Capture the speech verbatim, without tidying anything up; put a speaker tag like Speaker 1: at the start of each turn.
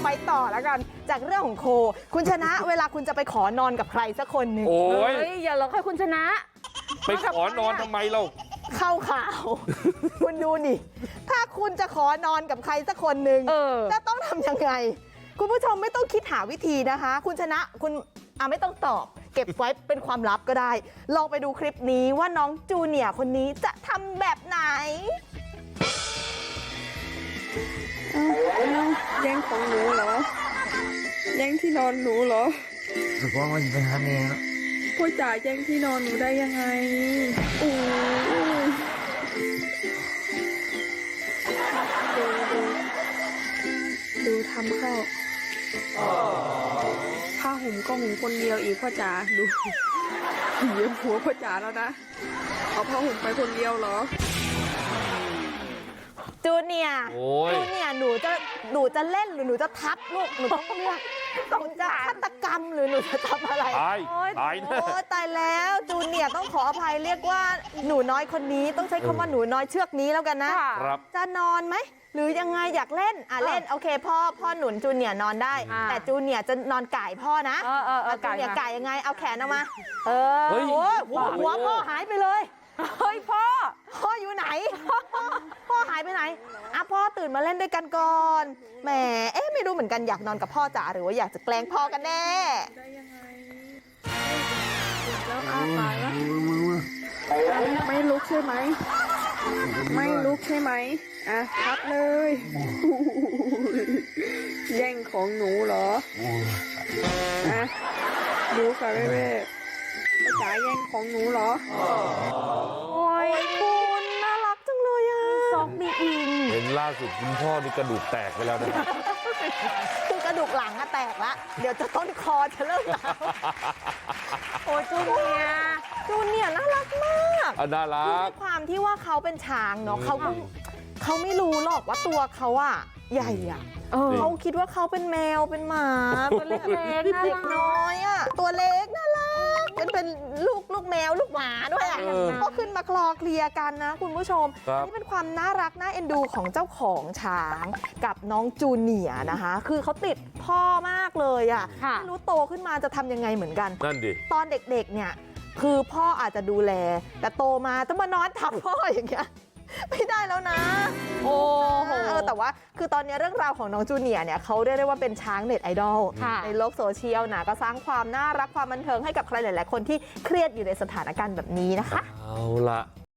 Speaker 1: ไปต่อแล้วกันจากเรื่องของโคคุณชนะเวลาคุณจะไปขอนอนกับใครสักคนหนึ่ง
Speaker 2: โอ้ย
Speaker 3: เฮ้ยอย่าหลอกให้คุณชนะ
Speaker 2: ไปขอนอนทำไมเรา
Speaker 1: เข้าข่าว คุณดูนี่ ถ้าคุณจะขอนอนกับใครสักคนหนึ่ง
Speaker 3: เออ
Speaker 1: จะต้องทำยังไง คุณผู้ชมไม่ต้องคิดหาวิธีนะคะ คุณชนะคุณอ่ะไม่ต้องตอบ เก็บไว้เป็นความลับก็ได้ ลองไปดูคลิปนี้ว่าน้องจูเนียร์คนนี้จะทำแบบไหน
Speaker 4: แย่งของหนูเหรอ แย่งที่นอนหนูเหรอ
Speaker 5: รู้ว่ามันเป็นฮันนี่นะ
Speaker 4: พ่อจ๋าแย่งที่นอนหนูได้ยังไงโอ้ดูดูดูทำเข้าผ้าห่มก็ห่มคนเดียวอีกพ่อจ๋าดูเหยียบหัวพ่อจ๋าแล้วนะเอาผ้าห่มไปคนเดียวเหรอ
Speaker 1: จูเนียร์
Speaker 2: โอ้ย
Speaker 1: จูเนียร์หนูจะหนูจะเล่นหรือหนูจะทับลูกหนูต้องเลือกหนูจะฆาตกรรมหรือหนูจะทำอะไร
Speaker 2: ตาย
Speaker 1: โอ๊ย
Speaker 2: ตายแน่
Speaker 1: โอ้ตายแล้วจูเนียร์ต้องขออภัยเรียกว่าหนูน้อยคนนี้ต้องใช้คำว่าหนูน้อยเชือกนี้แล้วกันนะ
Speaker 3: ค่ะ
Speaker 2: ครับ
Speaker 1: จะนอนไหมหรือยังไงอยากเล่นอ่ะเล่นโอเคพ่อพ่อหนุนจูเนียร์นอนได้
Speaker 3: อ่า
Speaker 1: แต่จูเนียร์จะนอนก่ายพ่อนะ
Speaker 3: เออเออเออ
Speaker 1: จูเนียร์
Speaker 3: ไก่
Speaker 1: ก่ายยังไงเอาแขนออกมา เออ
Speaker 2: เฮ้ย
Speaker 1: โอ้ยหัวหัวพ่อหายไปเลย
Speaker 3: เฮ้ยพ่อ
Speaker 1: พ่ออยู่ไหน พ่อหายไปไหนอ่ะพ่อตื่นมาเล่นด้วยกันก่อนแหมเอ๊ะไม่รู้เหมือนกันอยากนอนกับพ่อจ๋าหรือว่าอยากจะแกล้งพ่อกันแน่
Speaker 4: ได้ยังไงแล้วอ้าปากแล้วไม่ลุกใช่ไหม ไม่ลุกใช่ไหมอ่ะพักเลย แย่งของหนูเหรออ่ะดูค่ะแม่แม่จ๋าแย่งของหนูเหรอ
Speaker 3: โอ้ย
Speaker 1: คุณน่ารักจังเลยอ่ะ
Speaker 3: ซอกมีอิง
Speaker 2: เห็นล่าสุดคุณพ่อนี่กระดูกแตกไปแล้วนะ
Speaker 1: คือกระดูกหลังอะแตกละเดี๋ยวจะต้นคอจะเริ่มร้าว
Speaker 3: โอ้ยจูเนียร์
Speaker 1: จูเนียร์น่ารักมาก
Speaker 2: อ่ะน่ารั
Speaker 1: คือก ด้วยความที่ว่าเขาเป็นช้างเนาะเขาก็เขาไม่รู้หรอกว่าตัวเขาอะใหญ่อะ
Speaker 3: เออ
Speaker 1: เขาคิดว่าเขาเป็นแมวเป็นหมาตัวเล็ก
Speaker 3: เล็กๆน่ารัก
Speaker 1: เด็กน้อยอะตัวเล็กน่ารักเป็นเป็นลูกลูกแมวลูกหมาด้วยอะ
Speaker 2: เออ
Speaker 1: ก็ขึ้นมาคลอเคลียร์กันนะคุณผู้ชม
Speaker 2: ครับ
Speaker 1: นี่เป็นความน่ารักน่าเอ็นดูของเจ้าของช้างกับน้องจูเนียร์นะคะ คือเขาติดพ่อมากเลยอะ
Speaker 3: ค่ะ
Speaker 1: ไม่รู้โตขึ้นมาจะทำยังไงเหมือนกัน
Speaker 2: นั่นดิ
Speaker 1: ตอนเด็กๆ เนี่ย คือพ่ออาจจะดูแล แต่โตมาต้องมานอนทับพ่ออย่างเงี้ย ไม่ได้แล้วนะ
Speaker 3: โอ้โห
Speaker 1: เออแต่ว่าคือตอนนี้เรื่องราวของน้องจูเนียร์เนี่ยเขาเรียกได้ว่าเป็นช้างเน็ตไอดอล
Speaker 3: ค่ะ
Speaker 1: ในโลกโซเชียลนะก็สร้างความน่ารักความบันเทิงให้กับใครหลายๆคนที่เครียดอยู่ในสถานการณ์แบบนี้นะคะ
Speaker 2: เอาละ